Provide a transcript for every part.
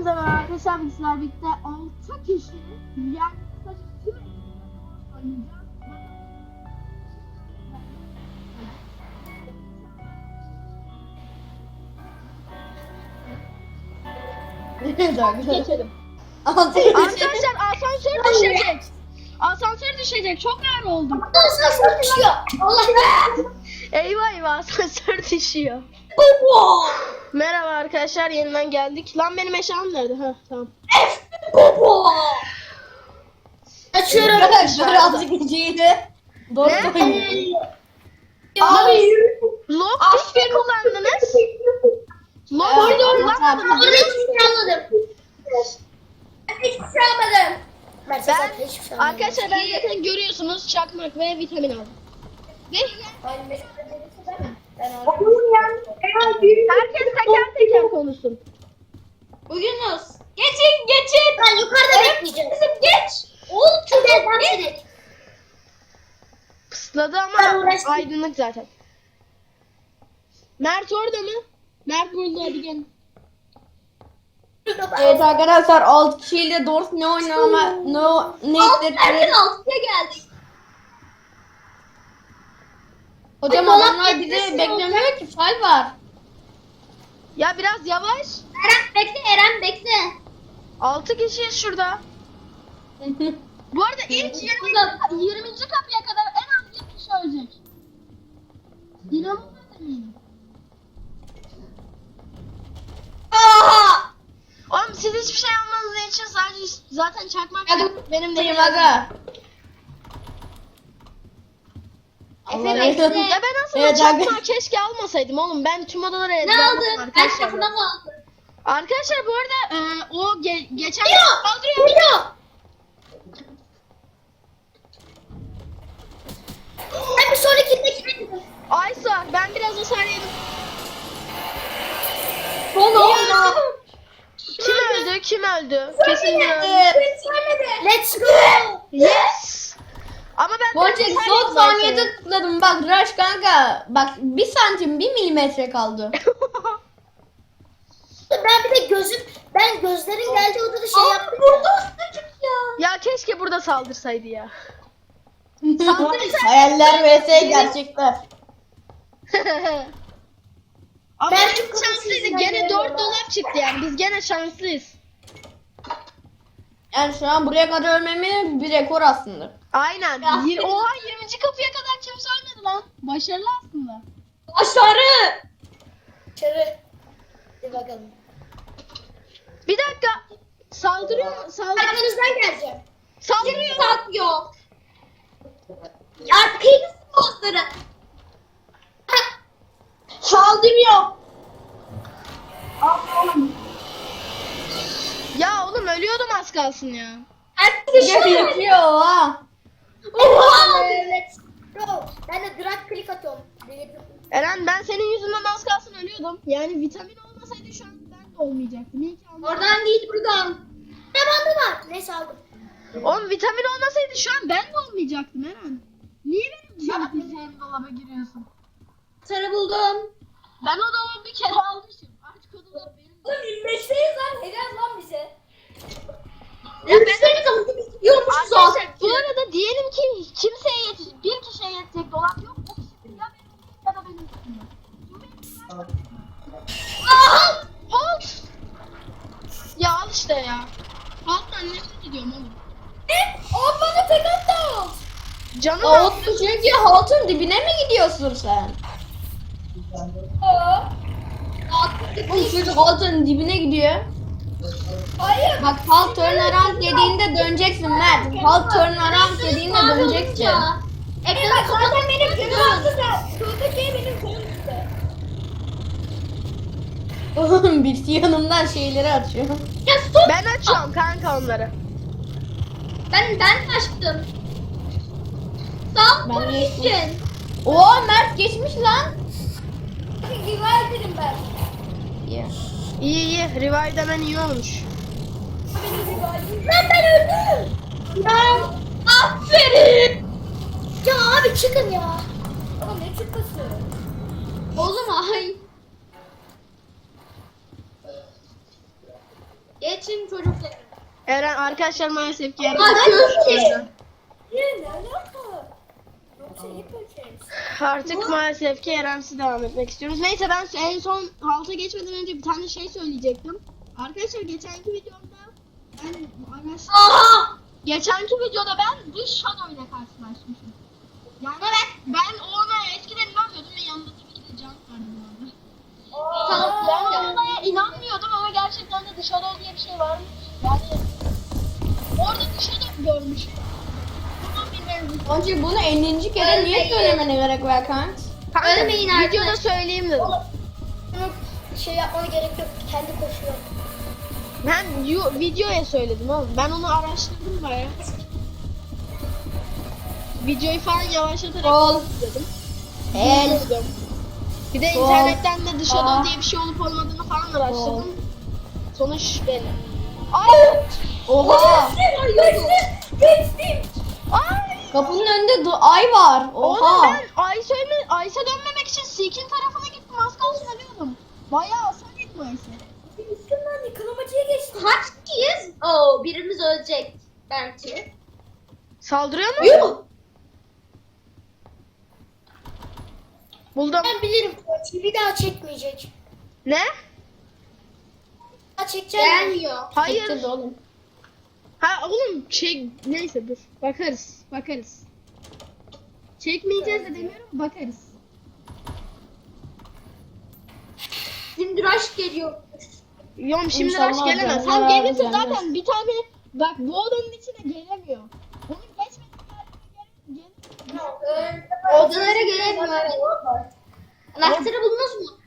Hepinize merhaba arkadaşlar, bizler birlikte 6 kişi yani kısaca tüm oynayacağız. Geçelim. Arkadaşlar asansör düşecek. Asansör düşecek. Çok ağır oldum. Asansör düşüyor. Allah Eyvah eyvah, asansör düşüyor. Bobo. Merhaba arkadaşlar, yeniden geldik. Lan benim eşyam nerede? Ha tamam. Bobo. Açıyorum. Arkadaşlar azıcık geceydi. Doğru Ne? söylüyorum. Abi. Log pick mi kullandınız? Log Evet, pick evet, kullandınız. Orada hiçbir şey almadım. Ben hiçbir şey almadım. Ben arkadaşlar ben zaten görüyorsunuz çakmak ve vitamin aldım. Ve herkes teker teker konuşsun. Yunus. Geçin. Ben yukarıda bekleyeceğim. Kızım geç. Oğlum çok eğlenceli. Pısladı Ben ama uğraştım. aydınlık zaten. Mert orada mı? Mert burada, hadi gel. Evet arkadaşlar 6 kişiyle doğru ne oynama ne Erken 6'ya geldik. Hocam Ay, dolap adamlar bizi getirsin beklemiyor ki fay var. Ya biraz yavaş. Eren bekle. 6 kişiyiz şurada. Bu arada ilk 20. kapıya kadar en az bir kişi ölecek. İnanılmaz eminim. Aha! Oğlum siz hiçbir şey almanız için sadece zaten çakmak Hadi benim de benim aga. Efe bekle. Ya ben aslında Evet, çakmağı keşke almasaydım oğlum. Ben tüm odaları Ne ezberledim aldın? Ben arkadaşlar. kapıdan aldım. Arkadaşlar bu arada o geçen Yok. kaldırıyor. Yok. Ben bir sonrakindeki Aysa ben biraz hasar yedim. Son olma. Kim öldü? Kim öldü? Kesin biri öldü. Let's go. Yes. Ama ben Boncuk hasar son yedim saniyede Aysa'ya. tıkladım bak Rush kanka. Bak 1 santim 1 milimetre kaldı. Ben bir de ben gözlerin geldiği odada şey yaptım. Burada ya. Ya keşke burada saldırsaydı ya. Hayaller vs gerçekler. Ama Ben ben çok şanslıydı. şanslıyım Gene ben 4 ya. dolap çıktı yani. Biz gene şanslıyız. Yani şu an buraya kadar ölmemi bir rekor aslında. Aynen. Ya. Oha 20. kapıya kadar kimse ölmedi lan. Başarılı aslında. Başarı. Çevir. Bir bakalım. Bir dakika. Saldırıyor mu? Saldırıyor. Arkanızdan geleceğim. Saldırıyor. Satmıyor. Arkayı sponsoru. Saldırıyor. Ya oğlum ölüyordum az kalsın ya. Herkes Yapıyor ha. Oha. Evet. Bro, ben de drag click atıyorum. Eren ben senin yüzünden az kalsın ölüyordum. Yani vitamin olmasaydı şu an ben de olmayacaktım. İyi ki almadım. Oradan değil buradan. Ne bandı var? Neyse aldım. Oğlum vitamin olmasaydı şu an ben de olmayacaktım Eren. Niye benim canım dolaba giriyorsun? Sarı buldum. Ben o dolabı bir kere almışım. Artık o dolap benim. Oğlum 25'teyiz lan. Helal lan bize. Ya ben Seni de biz gidiyormuşuz arkadaşlar bu arada diyelim ki kimseye yetecek, bir kişiye yetecek dolap yok. O kişi ya benim ya da benim üstümde. Aha! Halt! Ya al işte ya. Halttan nefret ediyorum oğlum. O bana tek attı. Canım Olsun çünkü haltın dibine mi gidiyorsun sen? Oğlum çocuk haltın dibine gidiyor. Hayır. Bak halt turn around dediğinde döneceksin Mert. Halt turn around dediğinde döneceksin. Ekranı zaten benim günüm attı da. Şurada şey benim günüm işte. Oğlum birisi yanımdan şeyleri atıyor. Ya stop. ben açıyorum kanka onları. Ben açtım. Sağ Ben ol geçtim. için. Oo Mert geçmiş lan. Rival dedim ben. Yeah. İyi iyi. Revive demen iyi olmuş. Lan ben öldüm. Ya aferin. Ya abi çıkın ya. Ama ne çıkması? Oğlum ay. Geç. geçin çocuklar. Eren arkadaşlar maalesef ki Eren. Hadi görüşürüz. Ne alaka? Yoksa yapacağız. Artık maalesef ki Eren'siz devam etmek istiyoruz. Neyse ben en son halta geçmeden önce bir tane şey söyleyecektim. Arkadaşlar geçenki videomda ben geçenki videoda ben bir Shadow ile karşılaşmışım. Yani ben ona eskiden inanmıyordum ve yanında tabii ki de can vardı bu arada. Ben ona inanmıyordum ama gerçekten de The Shadow diye bir şey varmış. Yani orada The Shadow görmüşüm. Bunun bilmem. Onca bunu 50. kere niye söylemene gerek var kanka? Ölmeyin artık. Videoda söyleyeyim dedim. Bunu şey yapmana gerek yok. Kendi koşuyor. Ben videoya söyledim oğlum. Ben onu araştırdım bayağı. Videoyu falan yavaşlatarak Ol. izledim. El. Buldum. Bir de Sol. internetten de The Shadow Aa. diye bir şey olup olmadığını falan araştırdım. Sonuç belli. Ay! Oha. Geçtim. Ay! Kapının önünde ay var. Oğlum Oha. ben Ayşe dönmemek için Seek'in tarafına gittim. Az kalsın ölüyordum. Bayağı hasar yedim Ayşe. Üstümden yıkanamacıya geçtim. Kaç kişiyiz? Oo, birimiz ölecek belki. Saldırıyor mu? Yuh. Buldum. Ben bilirim. Bir daha çekmeyecek. Ne? Daha çekeceğim. Gelmiyor. Hayır. Çekeceğiz oğlum. Ha oğlum neyse dur. Bakarız. Çekmeyeceğiz de demiyorum, bakarız. Şimdi rush geliyor. Yom şimdi İnşallah rush gelemez. canlar Hem gelirse gelmez. zaten bir tane bak bu odanın içine gelemiyor. Onun geçmediği gelir. Odalara gelemiyor. Evet. Anahtarı buldunuz mu?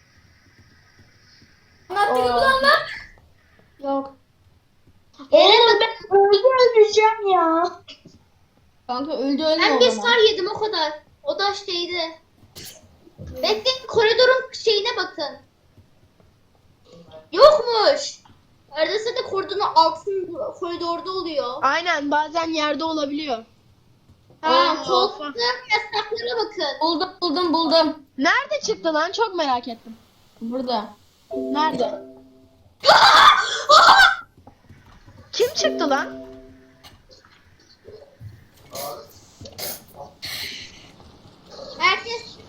Anahtarı bulanlar. Yok. Eren ben Öleceğim ya. Kanka öldü ölme ben o bir zaman. star yedim o kadar. O da şeydi. Bekleyin koridorun şeyine bakın. Yokmuş. Arada sırada koridorun altın koridorda oluyor. Aynen bazen yerde olabiliyor. Ha, koltukların yasaklara bakın. Buldum. Nerede çıktı lan? Çok merak ettim. Burada. Nerede? Kim çıktı lan? Herkes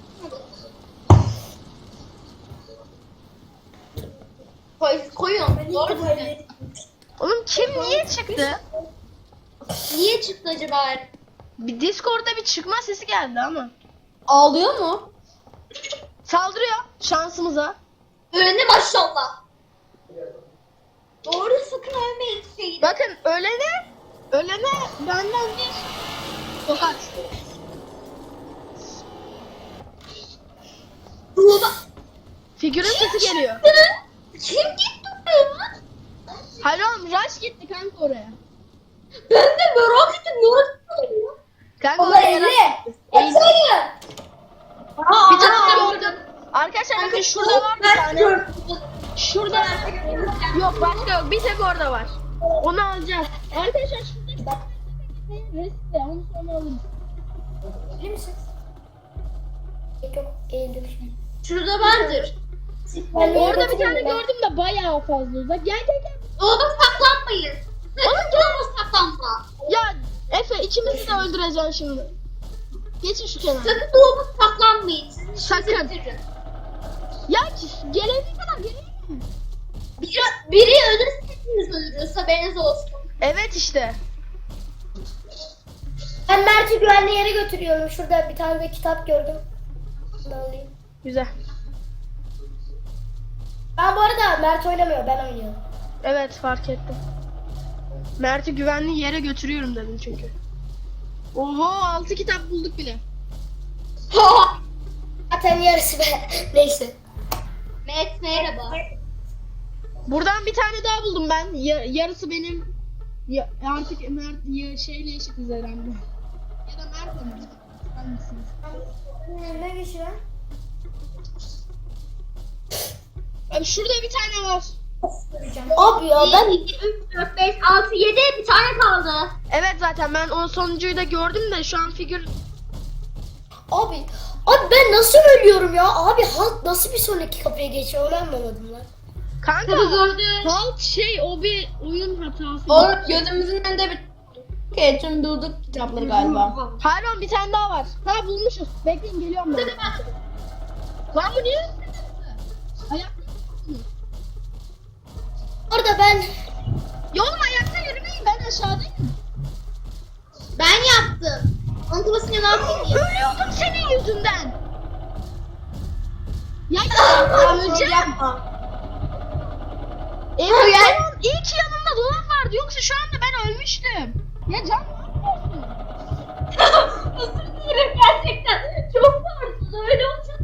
koyun. Doğru mu? Oğlum kim niye çıktı? Niye çıktı acaba? Bir Discord'da bir çıkma sesi geldi ama. Ağlıyor mu? Saldırıyor şansımıza. Ölene maşallah. Doğru sakın ölmeyin şeyi. Bakın ölene benden bir tokat. Ruhuma. Figürün sesi geliyor. Kim gitti oraya? Hayır oğlum Rush gitti kanka oraya. Ben de merak ettim. Merak ettim. Kanka oraya Rush gitti. Eğil. Bir tane Aa, gördüm. Arkadaşlar bakın şurada var bir tane. Şurada. Yok başka yok. Bir tek orada var. Onu alacağız. Arkadaşlar şurada reste onu sonra alırız. Bilir misin? Yok eğildim şimdi. Şurada vardır. Orada bir tane gördüm de bayağı fazla uzak. Gel. Oğlum saklanmayın. Oğlum gel saklanma. Ya Efe ikimizi de öldüreceksin şimdi. Geçin şu kenara. Sakın doğumu saklanmayın. Sakın. Ya gelene kadar geleyim mi? Biri ölürse hepimiz ölürüz. Haberiniz olsun. Evet işte. Ben Mert'i güvenli yere götürüyorum. Şurada bir tane de kitap gördüm. Bunu alayım. Güzel. Ben bu arada Mert oynamıyor. Ben oynuyorum. Evet fark ettim. Mert'i güvenli yere götürüyorum dedim çünkü. Oho 6 kitap bulduk bile. Zaten yarısı be. Neyse. Met merhaba. Buradan bir tane daha buldum ben. Yarısı benim. Artık Mert şeyle eşitiz herhalde. Ya da Mert'le mi? Hangisiniz? Ne geçiyor? Abi şurada bir tane var. Abi ya ben 1, 2, 3, 4, 5, 6, 7 bir tane kaldı. Evet zaten ben o sonuncuyu da gördüm de şu an figür... Abi ben nasıl ölüyorum ya? Abi halk nasıl bir sonraki kapıya geçiyor onu anlamadım lan. Kanka Gördü. halt o bir oyun hatası. O gözümüzün önünde bir tüm durduk kitapları galiba. Pardon bir tane daha var. Ha bulmuşuz. Bekleyin geliyorum ben. Lan bu niye? Ayak. Orada ben Ya oğlum ayakta yürümeyin, ben aşağıdayım. Ben yaptım. Antimasını ne yapayım ya? Ölüyordum senin yüzünden. Ya öleceğim. Yapma. Evet tamam, iyi ki yanımda dolap vardı, yoksa şu anda ben ölmüştüm. Ya Can ne yapıyorsun? Özür dilerim gerçekten. Çok pardon. Öyle olacak.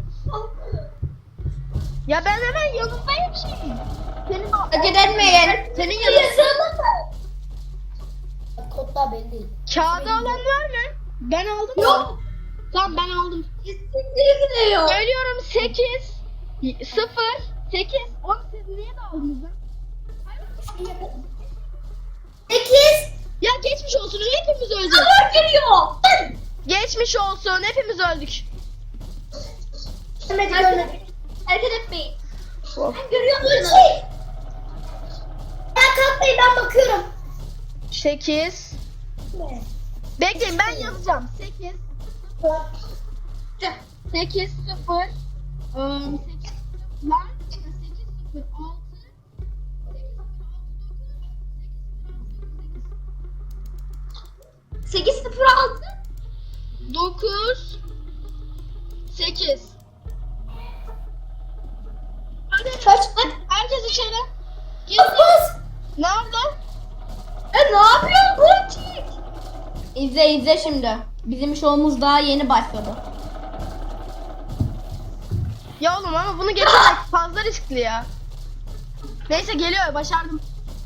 Ya ben hemen yanındayım şeyin. Senin Hareket etmeyin. senin yanında. kodlar belli değil. Kağıdı alan var mı? Ben aldım. Yok. Tamam ben aldım. İstikleri gidiyor. Söylüyorum 8 0 8 10 siz niye daldınız lan? 8. Ya geçmiş olsun, hepimiz öldük. Sabır geliyor. Geçmiş olsun, hepimiz öldük. Hareket etmeyin. Ben görüyorum musunuz? Ben kalkmayın, ben bakıyorum. 8 Bekleyin ben yazacağım. 8 8 0 8 lan 8 0 6 806. 9 8 Hadi Kaç? herkes içeri. Gir. Bas. Nerede? Ne yapıyorsun Ponçik? İzle şimdi. Bizim şovumuz daha yeni başladı. Ya oğlum ama bunu geçirmek fazla riskli ya. Neyse geliyor, başardım.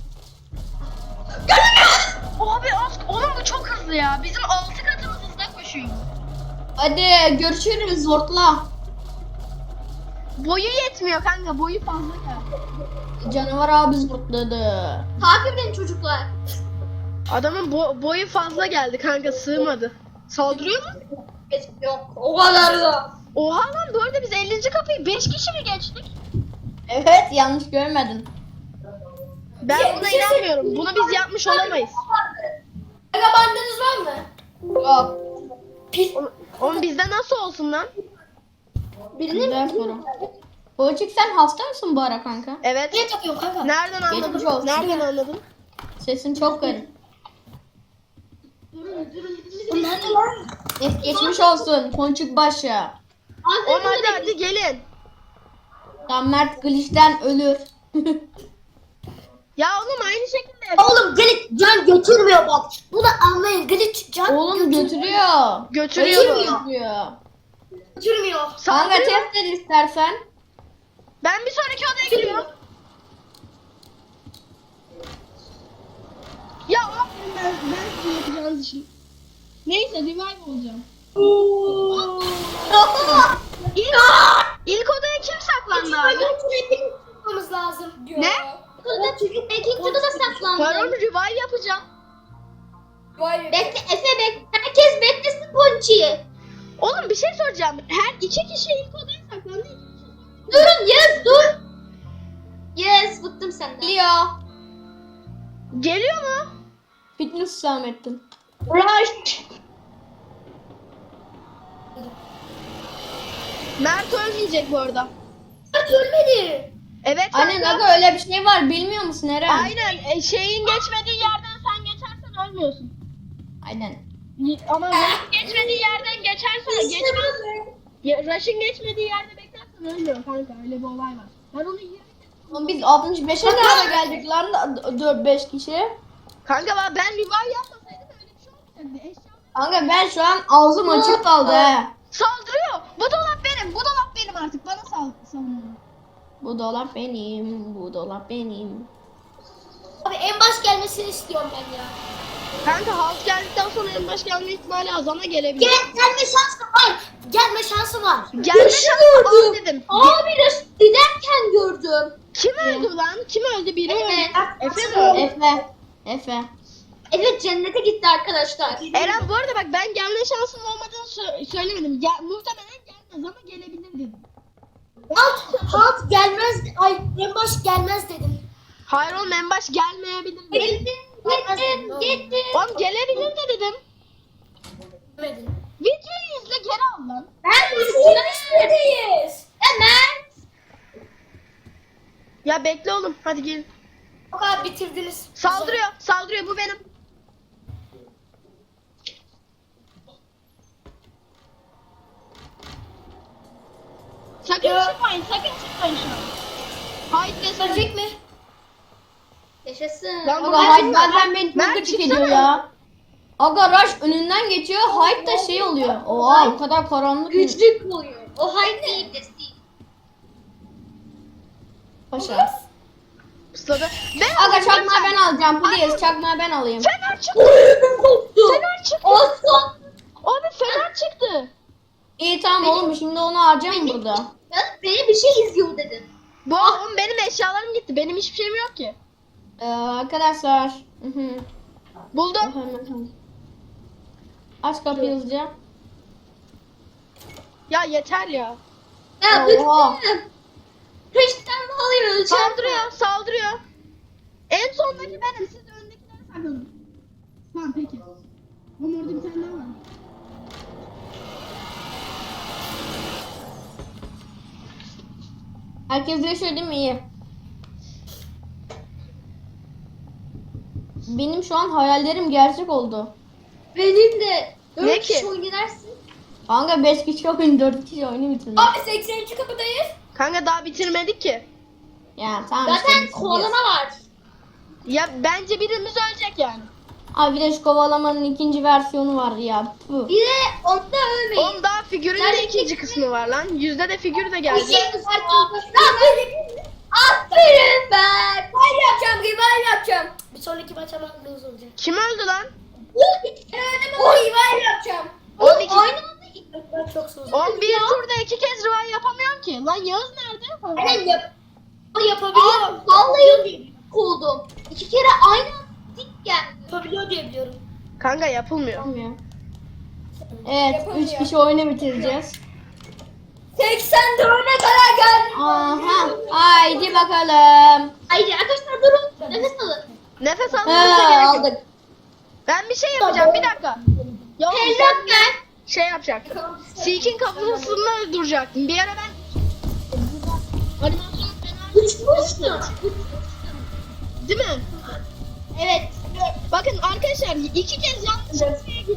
Abi oğlum bu çok hızlı ya. Bizim 6 katımız hızla koşuyor. Hadi görüşürüz Zortla. Boyu yetmiyor kanka, boyu fazla ya. Canavar abi zortladı. Takip edin çocuklar. Adamın boyu fazla geldi kanka, sığmadı. Saldırıyor mu? Yok o kadar da. Oha lan, bu arada biz 50. kapıyı 5 kişi mi geçtik? Evet yanlış görmedin. Ben buna inanmıyorum. Bunu biz yapmış olamayız. Aga bandınız var mı? Yok. Oğlum bizde nasıl olsun lan? Güzel soru. Boğacık sen hasta mısın bu ara kanka? Evet. Niye takıyorsun kanka? Nereden Geçmiş anladın? olsun. Nereden anladın? Sesin çok garip. Nerede lan? Geçmiş olsun Ponçuk başı. Oğlum hadi gelin. Tam Mert glitch'ten ölür. Ya oğlum aynı şekilde. Oğlum glitch can götürmüyor bak. Bunu anlayın, glitch can Oğlum götürüyor. Götürüyor Öyle mu? götürüyor. götürmüyor. Kanka Saldırıyor. test et istersen. Ben bir sonraki odaya gidiyorum. Ya aferin, ben sizin yapacağınız işi. Neyse revive olacağım. İlk odaya kim saklandı abi? Tutmamız lazım diyor. Ne? Burada çocuk belki burada da saklandı. Karım revive yapacağım. Vay be. Bekle Efe bekle. Herkes beklesin Ponçik'i. Oğlum bir şey soracağım. Her 2 kişi ilk odaya saklandı. Durun Yağız dur. Yes bıktım senden. Geliyor. Geliyor mu? Fitness Hüsamettin. Rush. Mert ölmeyecek bu arada. Ölmedi. Evet Aynen kanka. aga öyle bir şey var bilmiyor musun Eren? Aynen. Şeyin geçmediği yerden sen geçersen ölmüyorsun. Aynen. Ama Rush'ın geçmediği yerden geçersen geçmez. Rush'ın geçmediği yerde beklersen ölmüyor kanka. Öyle bir olay var. Ben onu 20 Oğlum biz 65'e nerede geldik lan 4-5 kişi? Kanka ben revive yapmasaydım öyle bir şey olmayacaktı. Eşya Kanka ben şu an ağzım açık kaldı he. saldırıyor. Bu dolap benim. Bu dolap benim artık. Bana savunuyor. Bu dolap benim, bu dolap benim. Abi en baş gelmesini istiyorum ben ya. Kanka halt geldikten sonra en baş gelme ihtimali azana gelebilir. Gelme şansı var. Gelme şansı var. Gelme şansı az dedim. Abi giderken gördüm. Kim öldü lan? Kim öldü? Biri öldü. Evet. Efe mi öldü? Efe. Evet cennete gitti arkadaşlar. Eren bu arada bak ben gelme şansının olmadığını söylemedim. Muhtemelen gelmez ama gelebilir dedim. Halt gelmez. Ay en baş gelmez dedim. Hayır oğlum en baş gelmeyebilir dedim. Gittim. Oğlum gelebilir de dedim. Demedim. Videoyu izle geri al lan. Ben Neredeyiz? Hemen. Ya bekle oğlum hadi gelin. O kadar bitirdiniz. Saldırıyor saldırıyor bu benim. Sakın çıkmayın sakın çıkmayın şu an. Hayır Gösterecek mi? Yaşasın. Lan bu Aga Hyde bazen beni Mert, çok gıcık çıksana. ediyor ya. Aga Rush önünden geçiyor. Hyde da şey oluyor. Oha o kadar karanlık. Güçlük oluyor. O hayır değil de değil. Paşa. Pusladı. Ve Aga çakmağı ben alacağım. Please çakmağı ben alayım. Fener çıktı. Oyunum koptu. Fener çıktı. Olsun. Abi fener çıktı. İyi tamam oğlum şimdi onu harcayayım burada. Beni bir şey izliyor dedim. Bu oğlum benim eşyalarım gitti. Benim hiçbir şeyim yok ki. Arkadaşlar. Hı hı. Buldum. Hemen. Aç kapıyı hızlıca. Ya yeter ya. Ya Oha. bıktım. Peşten alıyor. Saldırıyor saldırıyor. En sondaki benim. Siz öndekilere saklanın. Tamam peki. Oğlum orada bir tane daha var. Herkes yaşıyor değil mi? İyi. Benim şu an hayallerim gerçek oldu. Benim de. Ne 4 ki? kişi oynarsın. Kanka 5 kişi oyun 4 kişi oyunu bitirdim. Abi 83 kapıdayız. Kanka daha bitirmedik ki. Ya tamam Zaten işte bitireceğiz. kovalama var. Ya bence birimiz ölecek yani. Abi bir de şu kovalamanın ikinci versiyonu var ya. Puh. Bir de onda ölmeyin. Oğlum daha figürün de Nerede ikinci kısmı var lan. Yüzde de figür de geldi. Aferin ben. Revive yapacağım, revive yapacağım. Bir sonraki maç ama lose olacak. Kim öldü lan? O revive yapacağım. Oğlum iki- Aynı anda Ben çok soğudum. Oğlum bir turda 2 kez revive yapamıyorum ki. Lan Yağız nerede? Aynen yapabiliyor. vallahi oldum. 2 kere aynı anda dik geldi. Yapabiliyor diye biliyorum. Kanka yapılmıyor. Olmuyor. Evet Yapamıyor. 3 kişi oyunu bitireceğiz. 84'e kadar geldim. Aha haydi bakalım. Haydi arkadaşlar durun. Nefes alın. Nefes almamıza gerek yok. Aldık. Ben bir şey yapacağım bir dakika. Ya oğlum Helal sen ben. şey yapacak. Seek'in kafasını öldürecektim. Bir ara ben animasyon fena Uçmuştun. değil mi? Evet. Bakın arkadaşlar 2 kez yanlış şeye gittim.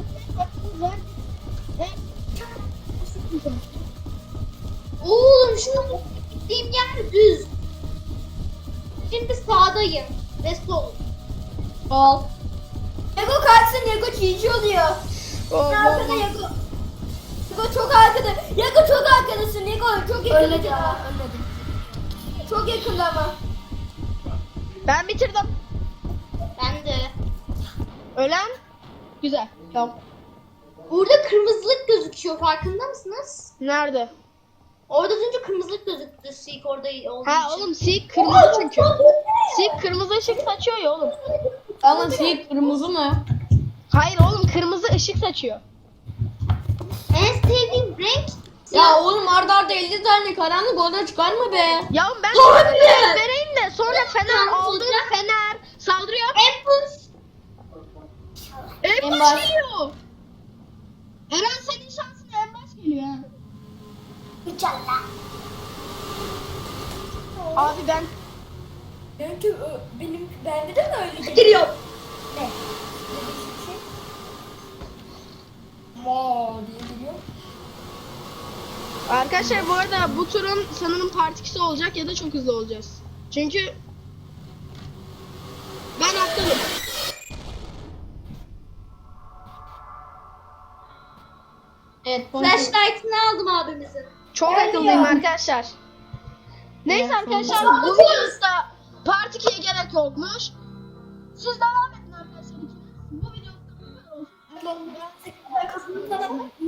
Oğlum şu gittiğim yer düz. Şimdi sağdayım. Ve sol. Sol. Lego kalksın, Lego GG oluyor. Arkada Lego. Lego çok arkada. Lego çok arkadasın. Lego çok yakında. Ölmedi ya. Ölmedim. Çok yakında ama. Ben bitirdim. Ben de. Ölen? Güzel. Tamam. Burada kırmızılık gözüküyor. Farkında mısınız? Nerede? Orada az önce kırmızılık gözüktü. Seek orada olduğu Ha için. oğlum Seek kırmızı çünkü. Seek kırmızı ışık saçıyor ya oğlum. Ama şey kırmızı mı? Hayır oğlum kırmızı ışık saçıyor. En sevdiğim renk Ya oğlum arda 50 tane karanlık oda çıkar mı be? Ya oğlum ben Tabii. vereyim de sonra fener Tamam, aldım olacak. fener saldırıyor. Ambush. En En baş baş. geliyor. Eren senin şansına en baş geliyor ha. İnşallah. Abi ben Benim bende de mi öyle geliyor? Giriyor. Ne? Maa diye geliyor. arkadaşlar bu arada bu turun sanırım part 2'si olacak ya da çok hızlı olacağız. Çünkü ben aptalım. Evet. Flashlight'ını aldım abimizin. Çok Evet akıllıyım ya. arkadaşlar. Neyse Evet, arkadaşlar tamam. bu videoda part 2'ye gerek yokmuş. Siz devam edin arkadaşlar ikiniz. Bu videoda bu kadar olsun. Arkasını